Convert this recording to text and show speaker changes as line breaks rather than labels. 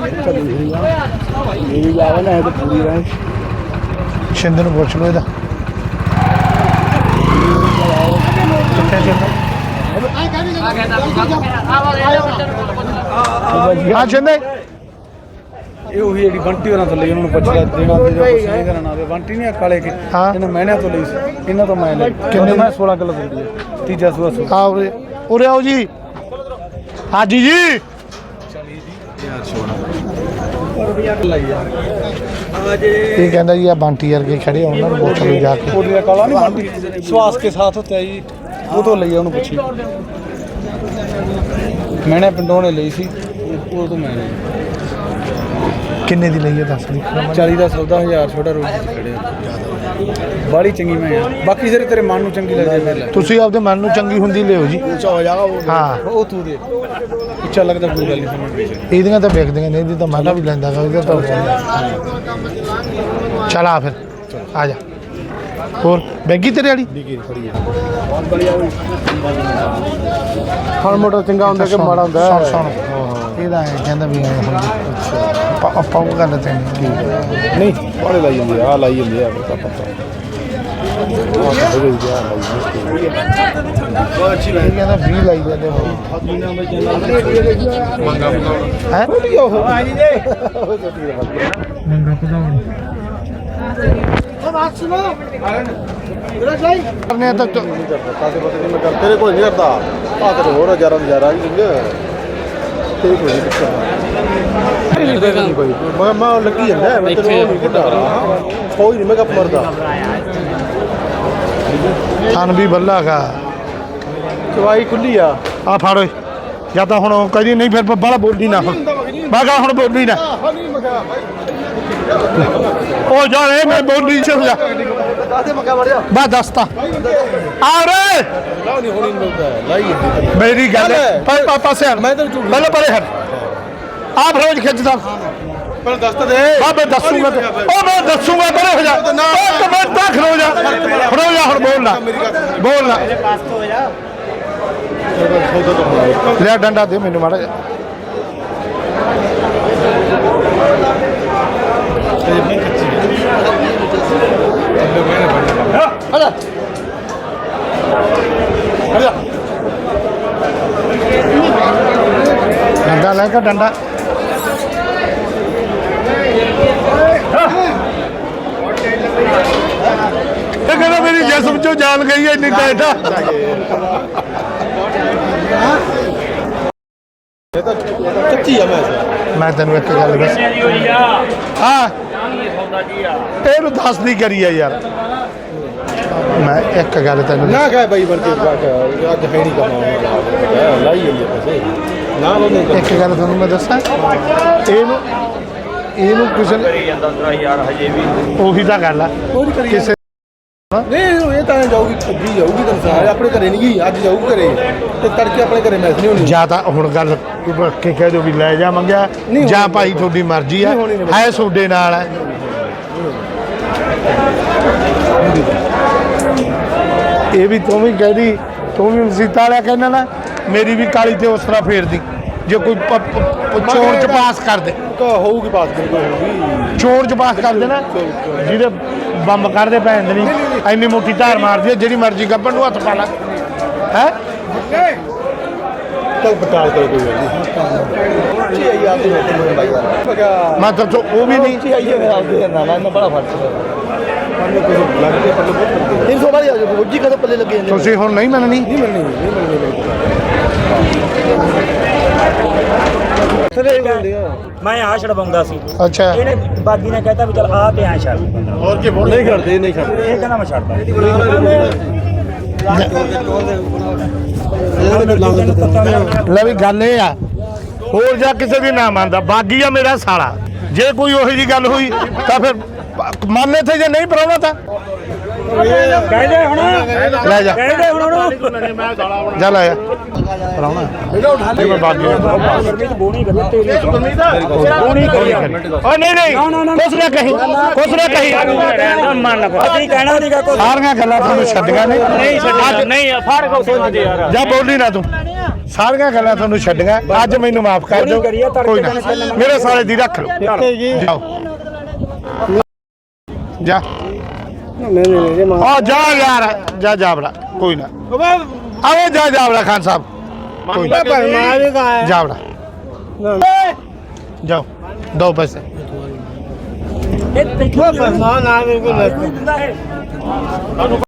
मेरी जावे ना तो पूरी रहे
शिंदे ਨੂੰ ਪੁੱਛ ਲਓ ਇਹਦਾ ਹਾਂ शिंदे
ਇਹ ਉਹੀ ਜਿਹੜੀ ਬੰਟੀ ਹੋਰਾਂ ਤੋਂ ਲਈ ਉਹਨਾਂ ਨੂੰ ਪੁੱਛ ਲਿਆ ਦੇਣਾ ਤੇ ਕੁਝ ਨਹੀਂ ਕਰਨਾ ਆਵੇ ਬੰਟੀ ਨਹੀਂ ਕਾਲੇ ਕੇ ਇਹਨਾਂ ਮਹੀਨਿਆਂ ਤੋਂ ਲਈ ਸੀ ਇਹਨਾਂ ਤੋਂ ਮੈਂ ਲਈ ਕਿੰਨੇ ਮੈਂ 16 ਕਿਲੋ ਦਿੰਦੀ ਹੈ ਤੀਜਾ ਸੂਆ ਸੂ
ਆ ਉਰੇ ਆਓ ਜੀ ਹਾਜੀ ਜੀ
ਯਾਰ ਸੋਨਾ ਲਈ ਯਾਰ
ਇਹ ਕਹਿੰਦਾ ਜੀ ਆ ਬੰਟੀ ਵਰਗੇ ਖੜੇ ਆ ਉਹਨਾਂ ਨੂੰ ਪੁੱਛ ਲਓ ਜਾ ਕੇ
ਕੋਟੀਆ ਕਾਲਾ ਨਹੀਂ ਬੰਟੀ ਸਵਾਸ ਕੇ ਸਾਥ ਹੁੰਦਾ ਜੀ ਉਹ ਤੋਂ ਲਈ ਉਹਨੂੰ ਪੁੱਛੀ ਮੈਨੇ ਪਿੰਡੋਂ ਨੇ ਲਈ ਸੀ ਉਹ ਤੋਂ ਮੈਂ ਲਈ
ਕਿੰਨੇ ਦੀ ਲਈ ਹੈ ਦੱਸ ਦੀ
40 ਦਾ ਸੌਦਾ 1000 ਛੋਟਾ ਰੋਜ਼ ਚ ਖੜੇ ਬਾੜੀ ਚੰਗੀ ਮੈਂ ਆ ਬਾਕੀ ਜਿਹੜੇ ਤੇਰੇ ਮਨ ਨੂੰ ਚੰਗੀ ਲੱਗਦੀ ਮੇਰੇ ਲਈ
ਤੁਸੀਂ ਆਪਦੇ ਮਨ ਨੂੰ ਚੰਗੀ ਹੁੰਦੀ ਲਿਓ ਜੀ
ਉੱਚਾ ਹੋ ਜਾਗਾ
ਹਾਂ
ਉਹ ਤੂੰ ਦੇ ਉੱਚਾ ਲੱਗਦਾ ਕੋਈ ਗੱਲ ਨਹੀਂ ਸਮਝ
ਇਹਦੀਆਂ ਤਾਂ ਵੇਖਦੀਆਂ ਨੇ ਇਹਦੀ ਤਾਂ ਮਾਲਾ ਵੀ ਲੈਂਦਾ ਗਾ ਉਹਦਾ ਤਾਂ ਚਲ ਆ ਫਿਰ ਆ ਜਾ ਹੋਰ ਬੈਗੀ ਤੇਰੇ ਵਾਲੀ
ਹੁਣ ਮੋਟਰ ਚੰਗਾ ਹੁੰਦਾ ਕਿ ਮਾੜਾ ਹੁੰਦਾ
ਸੁਣ ਸੁਣ ਇਹਦਾ ਐਂ ਕਹਿੰਦਾ ਵੀ ਐਂ ਹੁੰਦੀ ਆਪਾਂ ਉਹ ਗੱਲ ਤੇ
ਨਹੀਂ ਉਹਨੇ ਲਾਈ ਜਾਂਦੀ ਆ ਲਾਈ ਜਾਂਦੀ ਆ ਪਤਾ
ਅੱਛੀ ਲਾਈ ਕਹਿੰਦਾ 20 ਲਾਈ ਜਾਂਦੇ ਹੋ ਹੈ ਮੰਗਾ ਪਦਾਉਣ ਕਰਨੇ ਤੱਕ
ਕਾਸੇ ਪਤਾ ਨਹੀਂ ਮੈਂ ਕਰ ਤੇਰੇ ਕੋਲ ਨਹੀਂ ਕਰਦਾ ਆ ਤੇ ਹੋਰ ਹਜ਼ਾਰਾਂ ਹਜ਼ਾਰਾਂ ਵੀ ਦਿੰਦੇ ਤੇਰੇ ਕੋਲ ਨਹੀਂ ਪੁੱਛਦਾ ਮੈਂ ਲੱਗੀ ਜਾਂਦਾ ਮੈਂ ਤੈਨੂੰ ਨਹੀਂ ਕਿੱਦਾਂ ਕੋਈ ਨਹੀਂ ਮੈਂ ਕੱਪ ਮਰਦਾ
ਥਣ ਵੀ ਬੱਲਾਗਾ
ਚਵਾਈ ਖੁੱਲੀ ਆ
ਆ ਫੜ ਓਏ ਜਾਂ ਤਾਂ ਹੁਣ ਕਹਦੀ ਨਹੀਂ ਫਿਰ ਬਾਹਲਾ ਬੋਲੀ ਨਾ ਹੁਣ ਬਾਗਾ ਹੁਣ ਬੋਲੀ ਨਾ ਉਹ ਜਾ ਰੇ ਮੈਂ ਬੋਲੀ ਚੱਲ ਜਾ
ਦਾਦੇ ਮੱਕਾ ਮਰ ਜਾ
ਬਾ ਦੱਸਤਾ ਆ ਰੇ
ਲਾਉ ਨਹੀਂ ਹੋਣੀ ਮਿਲਦਾ ਲਾਈ
ਮੇਰੀ ਗੱਲ ਪਰ ਪਾਪਾ ਸੇ
ਮੈਂ ਤੈਨੂੰ ਝੂਠ
ਪਹਿਲੇ ਪਰੇ ਹਟ ਆਪ ਰੋਜ਼ ਖਿੱਚਦਾ
ਪਰ ਦੱਸ ਤਾਂ ਦੇ
ਬਾਬੇ ਦੱਸੂਗਾ ਉਹ ਮੈਂ ਦੱਸੂਗਾ ਪਰੇ ਹੋ ਜਾ ਇੱਕ ਮਿੰਟ ਤੱਕ ਖੜੋ ਜਾ ਹੁਣ ਬੋਲ ਨਾ ਲੈ ਡੰਡਾ ਦੇ ਮੈਨੂੰ ਮਾੜਾ ਜਿਹਾ ਡੰਡਾ ਲੈ ਕੇ ਡੰਡਾ ਇਹ ਕਹਿੰਦਾ ਮੇਰੀ ਜਿਸਮ ਚੋਂ ਜਾਨ ਗਈ ਹੈ ਇੰਨੀ ਟਾਈਟ ਆ
ਕੱਚੀ ਆ
ਮੈਂ ਤੈਨੂੰ ਇੱਕ ਗੱਲ ਦੱਸ ਹਾਂ ਇਹਨੂੰ ਦੱਸਦੀ ਕਰੀ ਆ ਯਾਰ ਮੈਂ ਇੱਕ ਗੱਲ ਤੈਨੂੰ
ਨਾ ਕਹੇ ਬਾਈ ਵਰਗੇ ਅੱਜ ਹੈ ਨਹੀਂ ਕਮਾਉਣਾ ਲਾਈ ਜਾਂਦੀ ਪੈਸੇ ਨਾ ਉਹਨੇ
ਇੱਕ ਗੱਲ ਤੁਹਾਨੂੰ ਮੈਂ ਦੱਸਾਂ ਇਹਨੂੰ ਕਿਸੇ ਨੇ
ਯਾਰ ਹਜੇ ਵੀ
ਉਹੀ ਤਾਂ ਗੱਲ ਆ ਕਿਸੇ
ਨਹੀਂ ਇਹ ਤਾਂ ਜਾਊਗੀ ਅੱਗੀ ਜਾਊਗੀ ਤਾਂ ਸਾਰੇ ਆਪਣੇ ਘਰੇ ਨਹੀਂ ਗਈ ਅੱਜ ਜਾਊਗੀ ਘਰੇ ਤੇ ਤੜਕੇ ਆਪਣੇ ਘਰੇ ਮੈਸ ਨਹੀਂ ਹੋਣੀ
ਜਾਂ ਤਾਂ ਹੁਣ ਗੱਲ ਕੇ ਕਹਿ ਦਿਓ ਵੀ ਲੈ ਜਾ ਮੰਗਿਆ ਜਾਂ ਭਾਈ ਤੁਹਾਡੀ ਮਰਜ਼ੀ ਆ ਹੈ ਤੁਹਾਡੇ ਨਾਲ ਹੈ ਇਹ ਵੀ ਤੂੰ ਵੀ ਕਹਿਦੀ ਤੂੰ ਵੀ ਮਸੀਤਾ ਵਾਲਿਆ ਕਹਿੰਦਾ ਨਾ ਮੇਰੀ ਵੀ ਕਾਲੀ ਤੇ ਉਸ ਤਰ੍ਹਾਂ ਫੇਰਦੀ ਜੇ ਕੋਈ ਚੋਣ ਚ ਪਾਸ ਕਰ ਦੇ
ਹੋਊਗੀ ਪਾਸ ਹੋਊਗੀ
ਚੋਣ ਚ ਪਾਸ ਕਰ ਦੇ ਨਾ ਜਿਹਦੇ ਬੰਬ ਕਰਦੇ ਪੈਂਦੇ ਨਹੀਂ ਇੰਨੀ ਮੋਟੀ ਧਾਰ ਮਾਰਦੀ ਹੈ ਜਿਹੜੀ ਮਰਜ਼ੀ ਗੱਭਣ ਨੂੰ ਹੱਥ ਪਾ ਲਾ ਹੈ
ਚੱਲ ਬਟਾਲ ਕਰ ਕੋਈ ਗੱਲ ਨਹੀਂ
ਮੈਂ ਤਾਂ ਉਹ ਵੀ ਨਹੀਂ ਤੁਸੀਂ ਹੁਣ ਨਹੀਂ ਮੰਨਣੀ
ਮੈਂ ਆ ਛੜਵਾਉਂਦਾ ਸੀ
ਅੱਛਾ
ਇਹਨੇ ਬਾਗੀ ਨੇ ਕਹਿਤਾ ਵੀ ਚਲ ਆ ਤੇ ਆ ਛੱਡ
ਹੋਰ ਕੀ ਬੋਲ ਨਹੀਂ ਕਰਦੇ ਨਹੀਂ ਕਰਦੇ
ਇਹ ਕਹਿੰਦਾ ਮੈਂ ਛੱਡਦਾ
ਲੈ ਵੀ ਗੱਲ ਇਹ ਆ ਹੋਰ ਜਾਂ ਕਿਸੇ ਦੀ ਨਾ ਮੰਨਦਾ ਬਾਗੀ ਆ ਮੇਰਾ ਸਾਲਾ ਜੇ ਕੋਈ ਉਹੋ ਜੀ ਗੱਲ ਹੋਈ ਤਾਂ ਫਿਰ ਮੰਨੇ ਤੇ ਜੇ ਨਹੀਂ ਪਰਾਉਣਾ ਤਾਂ
ਕਹਿੰਦੇ ਹੁਣ
ਲੈ ਜਾ
ਕਹਿੰਦੇ ਹੁਣ
ਜਾ ਲੈ ਪਰਾਉਣਾ ਮੈਂ ਬਾਗੀ
ਗਰਮੀ ਚ ਬੋਣੀ ਕਰਨੀ ਤੇਰੀ ਬੋਣੀ ਕਰੀ
ਓ ਨਹੀਂ ਕੁਛ ਨਾ ਕਹੀ
ਮੰਨ ਲਓ ਅਸੀਂ ਕਹਿਣਾ ਨਹੀਂਗਾ ਕੋਈ
ਸਾਰੀਆਂ ਗੱਲਾਂ ਤੁਹਾਨੂੰ ਛੱਡੀਆਂ ਨੇ
ਨਹੀਂ ਛੱਡਿਆ ਨਹੀਂ ਫੜ ਕੇ ਸੋਚਦੇ ਯਾਰ
ਜਾ ਬੋਲੀ ਨਾ ਤੂੰ ਸਾਰੀਆਂ ਗੱਲਾਂ ਤੁਹਾਨੂੰ ਛੱਡੀਆਂ ਅੱਜ ਮੈਨੂੰ ਮਾਫ ਕਰ ਦਿਓ ਕੋਈ ਨਾ ਮੇਰੇ ਸਾਲੇ ਦੀ ਰੱਖ ਲਓ ਜਾਓ ਜਾ ਆ ਜਾ ਯਾਰ ਜਾ ਬੜਾ ਕੋਈ ਨਾ ਆਵੇ ਜਾ ਬੜਾ ਖਾਨ ਸਾਹਿਬ ਕੋਈ ਨਾ ਜਾ ਬੜਾ ਜਾਓ ਦੋ ਪੈਸੇ
ਇਹ